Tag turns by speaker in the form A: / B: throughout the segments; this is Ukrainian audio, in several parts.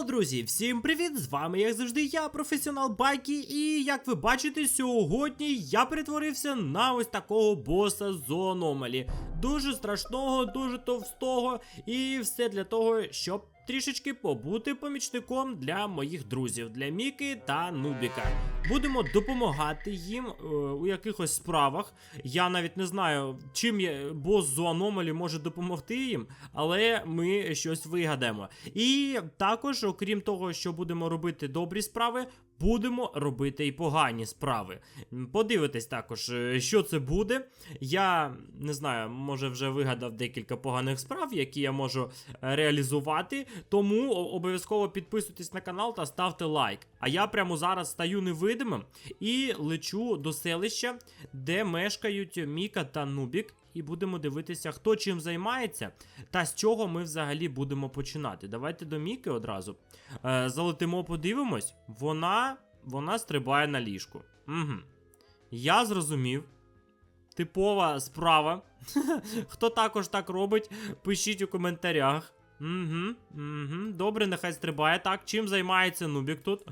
A: Йоу, друзі, всім привіт! З вами, як завжди, я, професіонал Байкі, і як ви бачите, сьогодні я перетворився на ось такого боса з аномалі. Дуже страшного, дуже товстого, і все для того, щоб трішечки побути помічником для моїх друзів, для Міки та Нубіка. Будемо допомагати їм у якихось справах. Я навіть не знаю, чим бос з аномалі може допомогти їм, але ми щось вигадаємо. І також, окрім того, що будемо робити добрі справи, будемо робити і погані справи. Подивитесь також, що це буде. Я не знаю, може вже вигадав декілька поганих справ, які я можу реалізувати. Тому обов'язково підписуйтесь на канал та ставте лайк. А я прямо зараз стаю невидимим і лечу до селища, де мешкають Міка та Нубік. І будемо дивитися, хто чим займається та з чого ми взагалі будемо починати. Давайте до Міки одразу. Залетимо, подивимось. Вона стрибає на ліжку. Угу. Я зрозумів. Типова справа. Хто також так робить, пишіть у коментарях. Добре, нехай стрибає. Так, чим займається Нубік тут?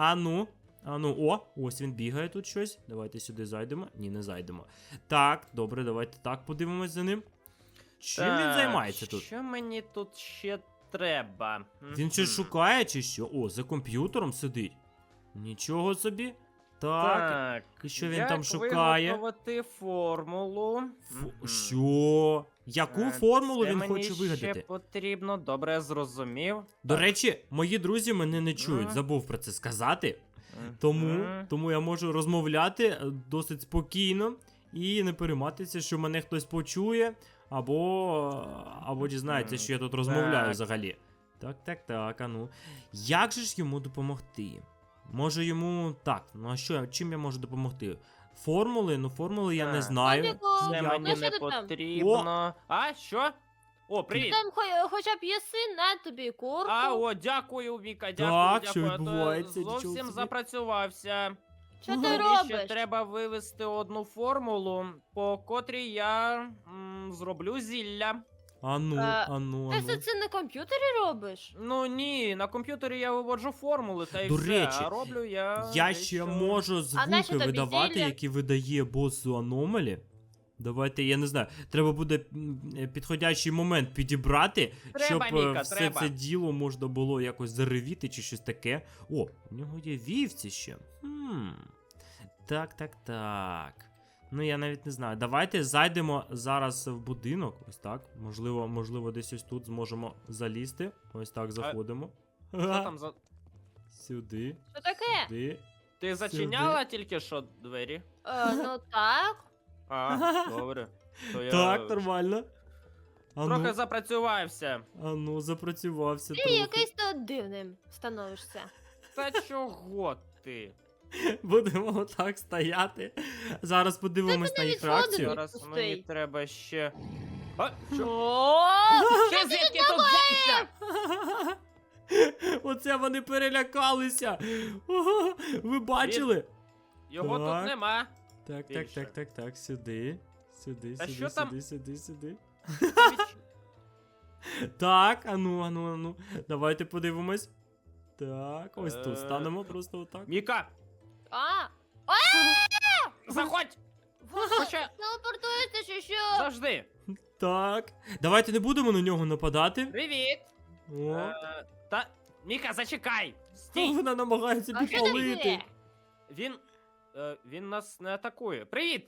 A: Ось він бігає тут щось. Давайте сюди зайдемо. Ні, не зайдемо. Так, добре, давайте так подивимось за ним. Чим він займається тут?
B: Що мені тут ще треба?
A: Він щось шукає чи що? О, за комп'ютером сидить. Нічого собі. Так. І що він там шукає?
B: Як виготовити формулу?
A: Що? Яку формулу він хоче вигадати?
B: Це мені ще потрібно, добре, я зрозумів.
A: До речі, мої друзі мене не чують, забув про це сказати. Тому я можу розмовляти досить спокійно і не перейматися, що мене хтось почує, або дізнається, що я тут розмовляю взагалі. Так, Як же ж йому допомогти? Може йому... Так, а що, чим я можу допомогти? Формули? Формули я не знаю.
B: Це мені не потрібно. А, що? О, привіт!
C: Там хоча б єси, на тобі курку.
B: Дякую, Віка,
A: Так, що
B: дякую.
A: відбувається?
B: Зовсім запрацювався.
C: Що ти
B: Мені
C: робиш?
B: ще треба вивести одну формулу, по котрій я зроблю зілля.
C: Ти все це на комп'ютері робиш?
B: Ну ні, на комп'ютері я виводжу формули, та й
A: До
B: все,
A: речі,
B: а роблю я...
A: Я ще можу
C: нащо
A: звуки
C: тобі
A: видавати,
C: зілля?
A: які видає бос з аномалі. Давайте, я не знаю, треба буде підходящий момент підібрати,
B: Треба,
A: щоб
B: Міка,
A: все
B: треба.
A: це діло можна було якось заревіти чи щось таке. О, у нього є вівці ще. Так. Ну, я навіть не знаю. Давайте зайдемо зараз в будинок. Ось так. Можливо, десь ось тут зможемо залізти. Ось так, заходимо.
B: Що там за...
A: Сюди.
C: Що таке?
A: Сюди.
B: Ти зачиняла тільки що двері?
C: Ну так.
B: Добре. То я
A: Так, нормально.
B: трохи запрацювався.
A: Запрацювався
C: Ти
A: трохи.
C: якийсь тут дивним становишся.
B: Та чого ти?
A: Будемо отак стояти. Зараз подивимось на їх
C: навіть
A: реакцію.
C: воду
B: Зараз
C: Пустий.
B: мені треба ще... Що?
C: О,
B: Що звідки тут взявся?
A: Оце вони перелякалися. Ого, ви бачили?
B: Його
A: Так.
B: тут нема.
A: Так, сюди.
B: Та що там?
A: Сюди. Так, ану. Давайте подивимось. Так, ось тут станемо просто отак.
B: Міка,
C: А,
B: заходь! Хоча...
C: телепортується чи що?
B: Завжди.
A: Так. Давайте не будемо на нього нападати.
B: Привіт.
A: О,
B: Та... Міка, зачекай! Стій!
A: вона намагається
C: А що там
A: підпалити.
C: є?
B: Він нас не атакує. Привіт!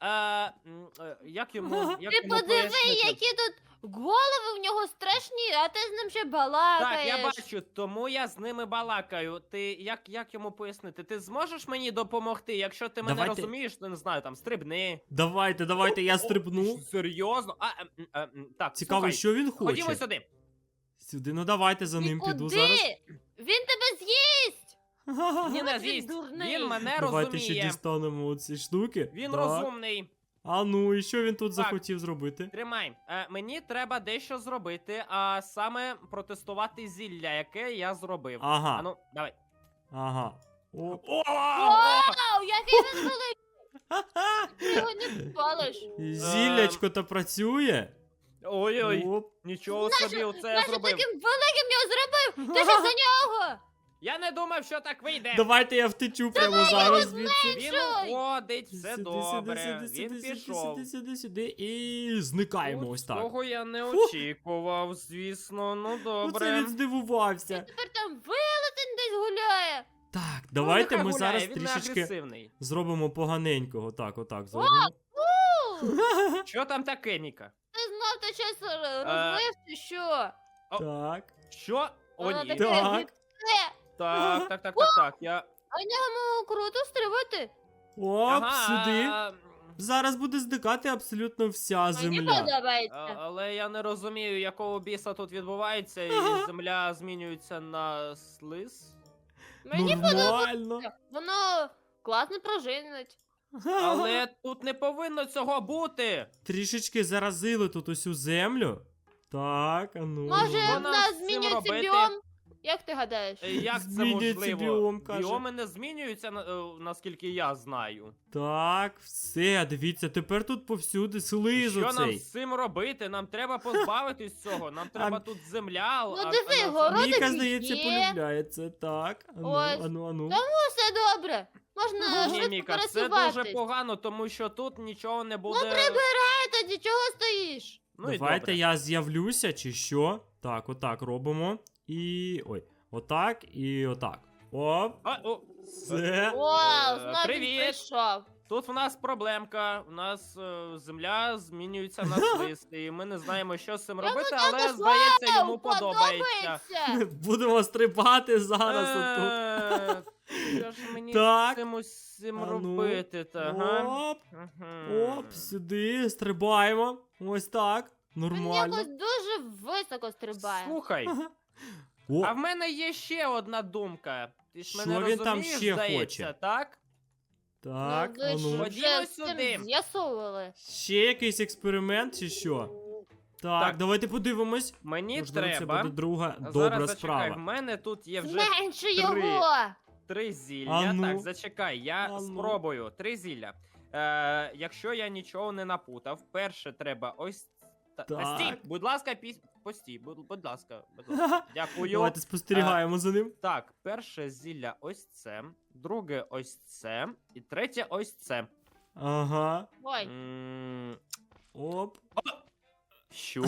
B: Як йому
C: Ти подиви,
B: пояснити?
C: які тут голови в нього страшні, а ти з ним ще
B: Так,
C: балакаєш.
B: я бачу, тому я з ними балакаю. Ти як йому пояснити? Ти зможеш мені допомогти? Якщо ти мене
A: Давайте.
B: розумієш, то не знаю, там стрибни.
A: Давайте, я стрибну.
B: Серйозно? Так,
A: Цікаво,
B: слухай,
A: що він хоче.
B: ходімо сюди.
A: Сюди, ну давайте за
C: Ти
A: ним піду
C: куди?
A: зараз.
C: Він тебе з'їсть!
B: Ні, не
C: Ти
B: з'їсть.
C: дурний.
B: Він мене
A: Давайте ще
B: розуміє.
A: дістанемо оці штуки.
B: Він
A: Так.
B: розумний.
A: А ну, і що він тут
B: Так.
A: захотів зробити?
B: Тримай. Мені треба дещо зробити, а саме протестувати зілля, яке я зробив.
A: Ага.
B: А ну, давай.
A: Ага. О,
C: Вау, який він великий! Ти його не спалиш.
A: зіллячко то працює?
B: Ой-ой,
A: Оп.
B: нічого собі оце я
C: Нащо
B: зробив.
C: таким великим його зробив? Ти ж за нього!
B: Я не думав, що так вийде.
A: Давайте я втечу прямо зараз звідси.
B: Він
C: Що?
B: уходить, все
A: Сюди,
B: добре.
A: сюди,
B: Він
A: сюди,
B: пішов.
A: сюди. І зникаємо ось так.
B: Цього я не очікував, звісно. Ну
A: Оце
B: добре.
A: він здивувався.
C: Тепер там велетень десь гуляє.
A: Так,
B: Ну,
A: давайте
B: нехай
A: ми
B: гуляє,
A: зараз
B: він не
A: трішечки
B: агресивний.
A: зробимо поганенького. Так, отак зробимо.
B: Що там таке, Ніка?
C: Ти знов ти щось розлив чи що?
A: Так.
B: Що? О,
C: Воно
B: ні.
C: таке
A: Так.
C: гидке.
B: Так. Я...
C: А ньому круто стрибати.
A: Оп, сюди.
B: а,
A: Зараз буде зникати абсолютно вся
C: Мені
A: земля.
C: подобається.
B: але я не розумію, якого біса тут відбувається, і земля змінюється на слиз.
C: Мені подобається.
A: Нормально.
C: Воно класно пружинить.
B: Але тут не повинно цього бути.
A: Трішечки заразили тут усю землю. Так, а ну.
C: Може,
B: Що
C: в
B: нам
C: нас
B: з цим
C: змінюється
B: робити?
C: біом? Як ти гадаєш?
B: Як це
A: Змінюється
B: можливо?
A: біом, каже.
B: Біоми не змінюються, наскільки я знаю.
A: Так, все, дивіться, тепер тут повсюди слизу
B: Що нам
A: цей.
B: з цим робити? Нам треба позбавитись цього. Нам треба тут земля.
C: Ну, диви, город-
A: Міка,
C: Родичі
A: здається,
C: є.
A: полюбляє це. Так, ану,
C: Ось.
A: ану.
C: Та все добре. Можна
B: Ні,
C: швидко
B: Міка, це
C: пересуватись.
B: дуже погано, тому що тут нічого не буде.
C: Прибирай тоді, чого стоїш?
B: Ну і
A: Давайте
B: добре.
A: я з'явлюся, чи що? Так, отак робимо. І. Ой, отак і отак. Оп, все.
C: Вау, знову він
B: привіт.
C: прийшов.
B: Тут в нас проблемка. У нас земля змінюється на слиз, і ми не знаємо, що з цим робити, але
C: також
B: здається, йому
C: Подобається.
A: Будемо стрибати зараз отут.
B: Що ж мені
A: Так.
B: з цим усім
A: А ну.
B: робити? Ага.
A: Оп,
B: Мгм.
A: оп, сюди, стрибаємо. Ось так.
C: Він
A: Нормально.
C: якось дуже високо стрибає.
B: Слухай,
A: О,
B: а в мене є ще одна думка. Ти ж
A: Що
B: мене
A: він там
B: розумієш,
A: ще
B: здається,
A: хоче?
B: так?
A: так,
C: Ну, ви ж
A: ану.
B: Ходімо
C: вже з
B: сюди.
C: цим з'ясовували.
A: Ще якийсь експеримент чи що? Так,
B: Так.
A: давайте подивимось.
B: Мені
A: Можливо, це
B: треба.
A: буде друга
B: Зараз
A: добра
B: зачекай,
A: справа.
B: в мене тут є вже
C: Зменши
B: три.
C: його!
B: 3 зілля.
A: А ну.
B: Так, зачекай, я
A: А ну.
B: спробую. 3 зілля. Якщо я нічого не напутав, перше треба ось.
A: Так.
B: Стій, будь ласка, постій, будь ласка. Дякую.
A: Давайте спостерігаємо за ним.
B: Так, перше зілля ось це, друге ось це, і третє ось це.
A: Ага.
C: Ой,
B: М,
A: Оп.
B: Що?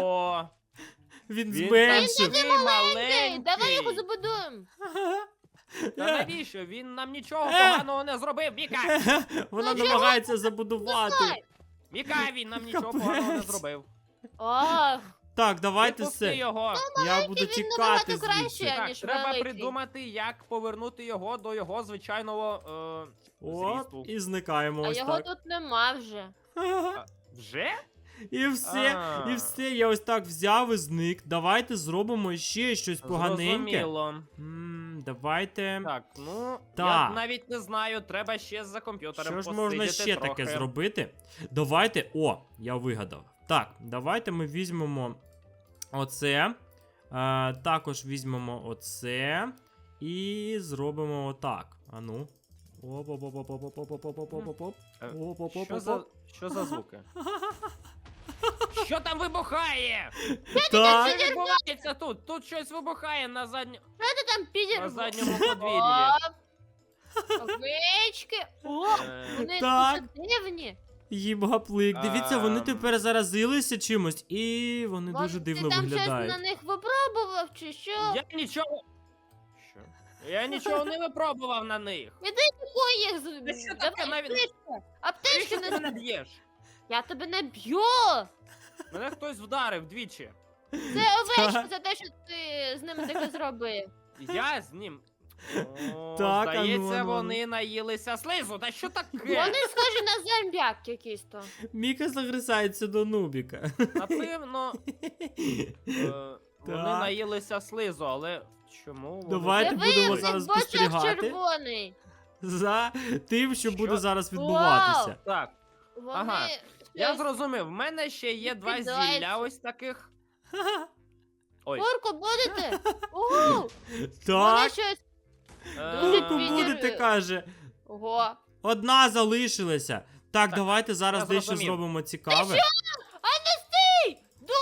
A: Він
B: Він
A: зменшив.
B: такий
C: ей,
B: маленький.
C: давай його забудуємо.
B: Та навіщо? Він нам нічого поганого не зробив, Міка!
A: Вона
C: Ну, чого?
A: намагається забудувати.
B: Міка, він нам нічого поганого не зробив.
C: Ох,
A: Так, давайте
B: Випусти
A: все.
B: його.
A: Я буду
C: він
A: тікати
C: набагато краще.
A: звідси.
C: Я
B: Так,
C: ніж
B: треба
C: великий.
B: придумати, як повернути його до його звичайного
A: Оп,
B: зрісту.
A: і зникаємо
C: а
A: ось
C: його
A: так.
C: тут нема вже.
B: Вже?
A: І все,
B: А.
A: і все, я ось так взяв і зник. Давайте зробимо ще щось поганеньке.
B: Зрозуміло.
A: Давайте.
B: Так, ну,
A: Так.
B: я навіть не знаю, треба ще за комп'ютером
A: Що ж
B: посидіти
A: можна ще
B: трохи.
A: таке зробити? Давайте. О, я вигадав. Так, давайте ми візьмемо оце. Також візьмемо оце. І зробимо отак. Ану. Оп-оп-оп-оп-оп-оп-оп-оп-оп-оп.
B: Е,
A: Оп-оп-оп-оп-оп.
B: Що за звуки? Що там вибухає?
A: Так.
B: Що відбувається тут? Тут щось вибухає на
C: Що ти там підір?
B: на задньому подвір'ї.
C: Овечки. О, вони
A: Так.
C: дуже дивні.
A: Їбаплик. Дивіться, вони
B: Ам.
A: тепер заразилися чимось, і вони
C: Може,
A: дуже дивно
C: ти там
A: виглядають.
C: щось на них випробував, чи що?
B: Я нічого. Що? Я нічого не випробував на них.
C: Ой, їх
B: Та що таке навіть?
C: Аптечки
B: Ти
C: не...
B: мене б'єш?
C: Я тебе не б'ю!
B: Мене хтось вдарив двічі.
C: Це овечки за те, що ти з ними таке зробив.
B: Я з ним. О,
A: Так,
B: здається,
A: ану.
B: вони наїлися слизу. Та що таке?
C: Вони схожі на зомбяк якісь то.
A: Міка загризається до Нубіка.
B: Напевно, вони
A: Так.
B: наїлися слизу, але чому вони...
A: Давайте
C: Диви,
A: будемо
C: як
A: зараз
C: в очах
A: спостерігати.
C: червоний.
A: За тим, що
B: Що?
A: буде зараз відбуватися.
B: Так,
C: Вони...
B: Ага, я
C: щось-
B: зрозумів. В мене ще є 2
C: Відкидаються.
B: зілля ось таких. Ой.
C: Курку будете? Ого! Вони
A: Так,
C: щось...
B: Е,
A: курку
C: підір-
A: будете, каже.
C: Ого.
A: Одна залишилася. Так, давайте зараз
B: я
A: дещо
B: зрозумів.
A: зробимо цікаве.
C: А не стій!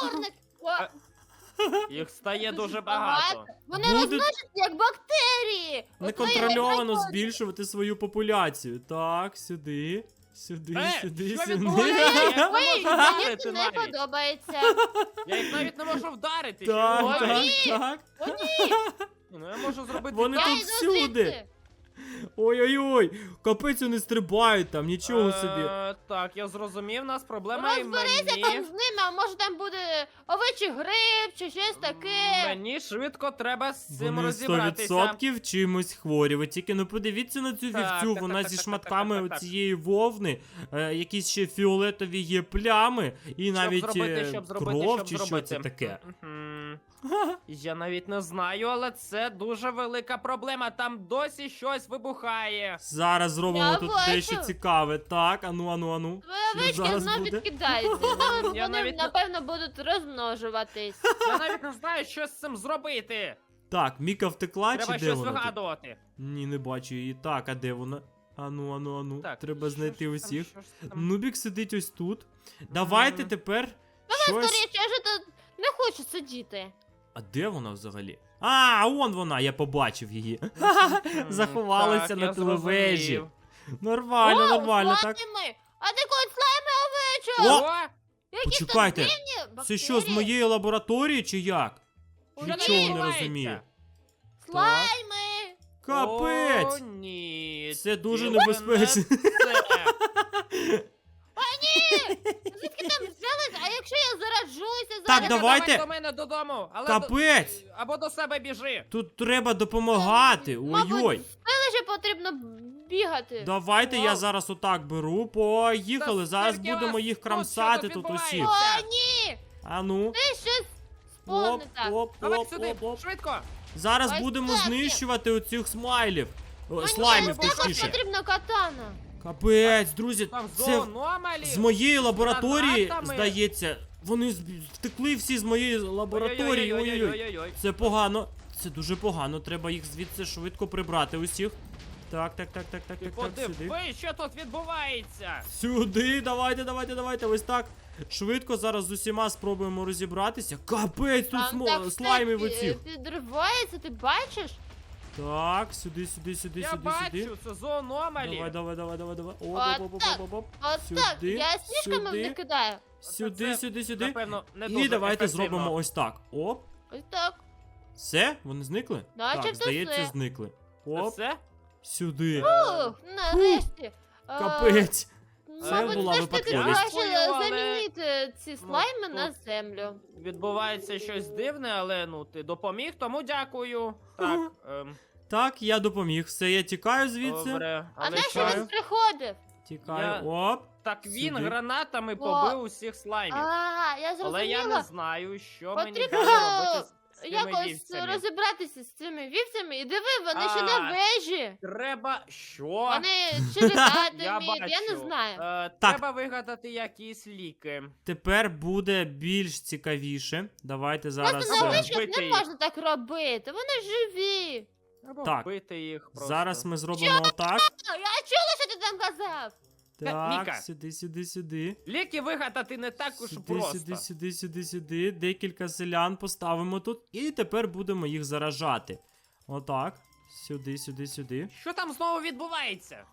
C: Чорник. О,
B: Їх стає
C: Дуже
B: дуже
C: багато.
B: багато.
C: Вони
A: Буде-
C: розносяться як бактерії.
A: Неконтрольовано збільшувати свою популяцію. Так, сюди. Сюди, сюди,
B: що
A: сюди.
B: відбувається? Я не
C: Ой,
B: можу
C: мені
B: вдарити
C: це не
B: навіть.
C: подобається.
B: Я їх навіть не можу вдарити.
A: Так,
B: що
A: так,
B: відбувається?
A: так.
C: О, ні,
B: Ну я можу зробити
A: Вони
B: так.
C: я
A: тут
C: йду
A: всюди.
C: звідси.
A: Ой-ой-ой, капець вони стрибають там, нічого собі.
B: Так, я зрозумів, у нас проблема і
C: Розберися там
B: мені.
C: з ними, а може там буде овечий гриб чи щось таке.
B: Мені швидко треба з цим
A: Вони
B: розібратися.
A: 100% чимось хворі. Ви тільки не подивіться на цю
B: Так,
A: вівцю,
B: так,
A: вона
B: так,
A: зі
B: так,
A: шматками
B: так, так, так.
A: цієї вовни, якісь ще фіолетові є плями, і навіть
B: щоб
A: кров чи що це таке.
B: Мгм. Я навіть не знаю, але це дуже велика проблема. Там досі щось вибухає.
A: Зараз зробимо
C: Я
A: тут
C: бачу.
A: дещо цікаве. Так, ану.
C: Твої
A: Що
C: овечки
A: зараз
C: знов
A: буде?
C: відкидаються.
B: Я
C: Вони,
B: навіть не-
C: напевно, будуть розмножуватись.
B: Я навіть не знаю, що з цим зробити.
A: Так, Міка втекла
B: Треба
A: чи де
B: щось
A: вона? тут?
B: вигадувати.
A: Ні, не бачу її. Так, а де вона? Ану.
B: Так,
A: Треба
B: що
A: знайти
B: ж там,
A: усіх.
B: що ж там?
A: Нубік сидить ось тут. Давайте
B: Мгм.
A: тепер щось.
C: Скоріше, я вже тут не хочу сидіти.
A: А де вона взагалі? А, он вона, я побачив її.
B: Мгм,
A: Заховалася
B: так,
A: на
B: я
A: телевежі.
B: зрозумів.
A: Нормально, нормально, так.
C: Слайми! А ти кот слайми овечок!
A: О!
C: Якісь там
A: Почекайте,
C: дивні
A: Це що, з
C: бактерії.
A: моєї лабораторії чи як?
B: Що
A: Нічого не
B: відбувається?
A: розумію.
C: Слайми!
A: Капець!
B: О, ні.
A: Це дуже
B: тільки
A: небезпечно.
B: не це.
C: Звідки там взялись? А якщо я заражуся
A: Так,
C: зараз?
A: давайте.
B: Давай до мене додому. Але
A: Капець!
B: Або до себе біжи.
A: Тут треба допомагати. Ой-ой.
C: Мабуть, селище потрібно бігати.
A: Давайте я
B: Вау.
A: зараз отак беру. Поїхали.
B: Та
A: Зараз
B: скільки
A: будемо
B: вас
A: їх
B: тут?
A: крамсати
B: Що тут
A: тут усіх.
B: відбувається?
C: О, ні!
A: Ану.
C: Ти щось сповне
A: Оп,
C: так.
A: оп,
B: Давай
A: оп,
B: сюди,
A: оп, оп.
B: швидко.
A: Зараз
C: Ось
A: будемо
C: так.
A: знищувати оцих смайлів. О,
C: Мені
A: слаймів,
C: також
A: точніше.
C: потрібна катана.
A: Капець, друзі,
B: Там
A: це
B: зоономалі.
A: з моєї лабораторії,
B: гранатами.
A: здається, вони втекли всі з моєї лабораторії. Ой-ой-ой.
B: Ой-ой-ой.
A: Це погано. Це дуже погано. Треба їх звідси швидко прибрати усіх. Так,
B: Ти
A: сюди.
B: подиви, що тут відбувається.
A: Сюди, давайте. Ось так. Швидко зараз з усіма спробуємо розібратися. Капець, тут
C: Там так все
A: слаймів оцих.
C: підривається, ти бачиш?
A: Так, сюди.
B: Я бачу, це зоономалі.
A: Давай. Оп.
C: От
A: Сюди,
C: так, я сніжками
A: сюди.
C: викидаю.
A: Сюди.
B: Напевно, не
A: І
B: дуже
A: давайте
B: ефективно.
A: зробимо ось так. Оп.
C: Ось так.
A: Все? Вони зникли?
C: Начебто
A: Так, здається,
C: все.
A: зникли.
B: Це
A: Оп,
B: все?
A: сюди.
C: Ух, нарешті.
A: Капець. Це
C: Мабуть,
A: була
C: все ж таки
A: випадковість.
C: краще
B: Дякую, але-
C: замінити ці слайми
B: тут-
C: на землю.
B: Відбувається щось дивне, але ну ти допоміг, тому дякую. Так,
A: Так, я допоміг. Все, я тікаю звідси.
B: добре.
C: А
B: Але
C: нащо
A: чекаю.
C: він приходив?
A: Тікаю.
B: Я-
A: Оп.
B: так він
A: Сюди.
B: гранатами побив усіх слаймів.
C: Я
B: Але я не
C: зрозуміла.
B: знаю, що мені
C: Потрібно
B: далі робити з цими
C: Якось
B: вівцями.
C: розібратися з цими вівцями. І диви, вони ще
B: А,
C: на вежі.
B: Треба що?
C: Вони чи літати
B: Я
C: вміють, я не
B: бачу.
C: знаю.
A: Так.
B: Треба вигадати якісь ліки.
A: Тепер буде більш цікавіше. Давайте зараз.
C: Просто
B: Або
C: на
A: е,
C: вишках
B: вбити
C: не
B: їх.
C: можна так робити. Вони живі.
B: Або
A: Так.
B: вбити їх просто.
A: Зараз ми зробимо отак.
C: Я чула, що ти там казав.
B: Міка.
A: Так, сюди.
B: Ліки вигадати не так уж просто.
A: Сюди. Декілька селян поставимо тут. І тепер будемо їх заражати. Отак. Сюди.
B: Що там знову відбувається?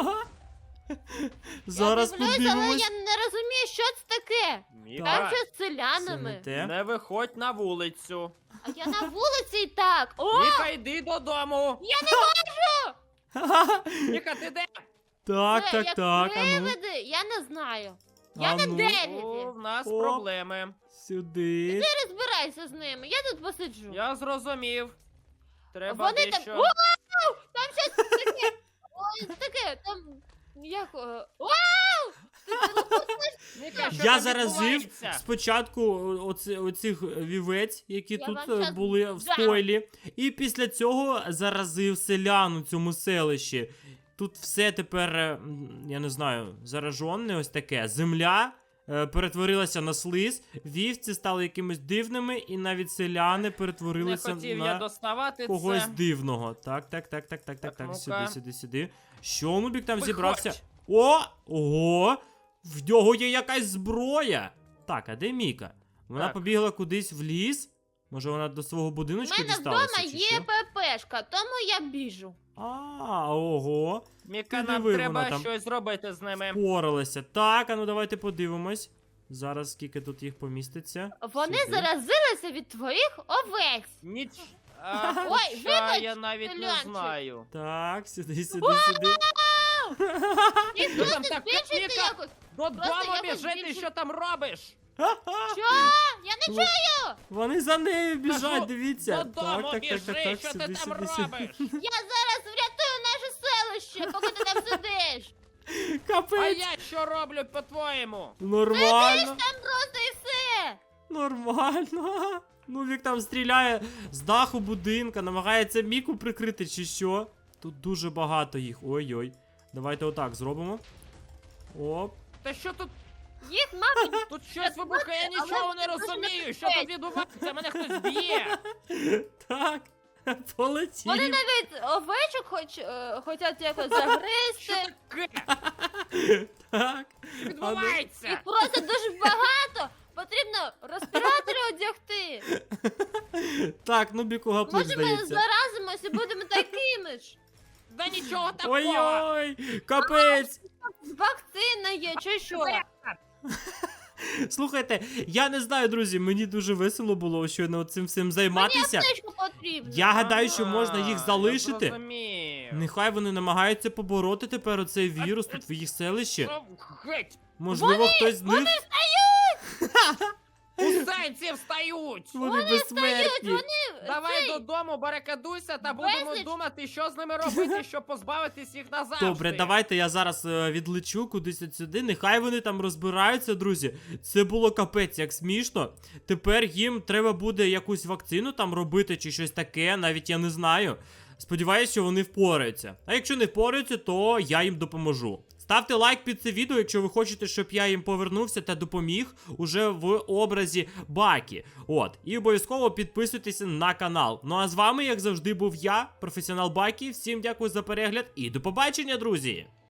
A: Зараз
C: я дивлюсь, але
A: подивимось.
C: я не розумію, що це таке.
B: Міка,
C: Там щось з
A: Це не
C: селянами.
A: те.
B: не виходь на вулицю.
C: А я на вулиці і так. О,
B: Міка, йди додому.
C: я не можу!
B: Міка, ти де?
A: Так,
C: Це як
A: ану.
C: привиди, я не знаю. Я на
A: Ану.
C: дереві.
B: О, в нас
A: О.
B: проблеми.
A: Сюди.
C: Ти розбирайся з ними, я тут посиджу.
B: Я зрозумів. Треба
C: Вони там.
B: дещо...
C: Вау! Там щось таке. Ой, таке, там. Як. Вау!
B: Міка, що
A: Я
B: там
A: заразив
B: відбувається?
A: спочатку оцих вівець, які
C: Я
A: тут
C: вам щас
A: були в
C: дам.
A: стойлі. І після цього заразив селян у цьому селищі. Тут все тепер, я не знаю, заражене ось таке. Земля перетворилася на слиз, вівці стали якимись дивними, і навіть селяни
B: Не
A: перетворилися
B: хотів я
A: на
B: доставати
A: когось
B: це.
A: дивного. Так.
B: ну-ка.
A: Сюди. Що Нубік там
B: Виходь.
A: зібрався? Ого! В нього є якась зброя. Так, а де Міка? Вона
B: Так.
A: побігла кудись в ліс? Може вона до свого
C: У
A: будиночку
C: мене
A: дісталася,
C: вдома
A: чи
C: є
A: що?
C: ППшка, тому я біжу.
A: Ого.
B: Міка,
A: Ти
B: нам
A: диви,
B: треба
A: вона там
B: щось зробити з ними.
A: Впоралася. Так, а ну давайте подивимось. Зараз скільки тут їх поміститься.
C: Вони
A: Сюди.
C: заразилися від твоїх овець.
B: Ніч.
C: Ой,
B: Хоча
C: вибач,
B: я навіть не
C: Льончик.
B: знаю.
A: Так, сюди.
C: І
B: Ну, там
C: тут
B: так,
C: збільшити
B: Міка!
C: якось.
B: Додому
C: якось
B: біжи, ти
C: більше-
B: що там робиш?
C: Що? Я не чую!
A: Вони за нею біжать,
B: Кажу,
A: дивіться.
B: Додому біжи, що
A: сюди,
B: ти там
A: сюди, сюди.
B: робиш?
C: Я зараз врятую наше селище, поки ти там сидиш.
B: А
A: Капець.
B: я що роблю, по-твоєму?
A: Нормально.
C: Там просто і все.
A: Нормально. Ну, Вік там стріляє з даху будинка, намагається Міку прикрити, чи що. Тут дуже багато їх. Ой-ой. Давайте отак зробимо. Оп.
B: Та що тут?
C: Їх, мабуть,
B: Тут щось вибухає, я нічого не розумію. Що тут відбувається? Мене хтось б'є.
A: Так. Полетів.
C: вони навіть овечок хочуть якось
B: Що
C: загризти.
B: таке
A: Так.
C: Їх
B: відбувається?
C: просто дуже багато. Потрібно респіратори одягти.
A: Так, ну Біку гаплик,
C: Може, ми
A: здається.
C: заразимось і будемо такими ж.
B: Да нічого такого.
A: Ой-ой, капець.
C: Вакцина є, чи що?
A: Слухайте, я не знаю, друзі, мені дуже весело було щойно цим всім займатися.
C: Аптечку потрібно.
A: Я гадаю, що можна їх
B: Я
A: залишити.
B: зрозумів.
A: Нехай вони намагаються побороти тепер оцей вірус тут в їх селищі.
B: Що? Геть!
A: Можливо, хтось з них.
B: Кусайці встають!
A: Вони безсмертні.
B: Давай додому, барикадуйся та будемо
C: Безліч-
B: думати, що з ними робити, щоб позбавитись їх назавжди.
A: Добре, давайте я зараз відлечу кудись от сюди. Нехай вони там розбираються, друзі. Це було капець, як смішно. Тепер їм треба буде якусь вакцину там робити чи щось таке, навіть я не знаю. Сподіваюсь, що вони впораються. А якщо не впораються, то я їм допоможу. Ставте лайк під це відео, якщо ви хочете, щоб я їм повернувся та допоміг уже в образі Бакі. От, і обов'язково підписуйтесь на канал. Ну а з вами, як завжди, був я, професіонал Бакі. Всім дякую за перегляд і до побачення, друзі!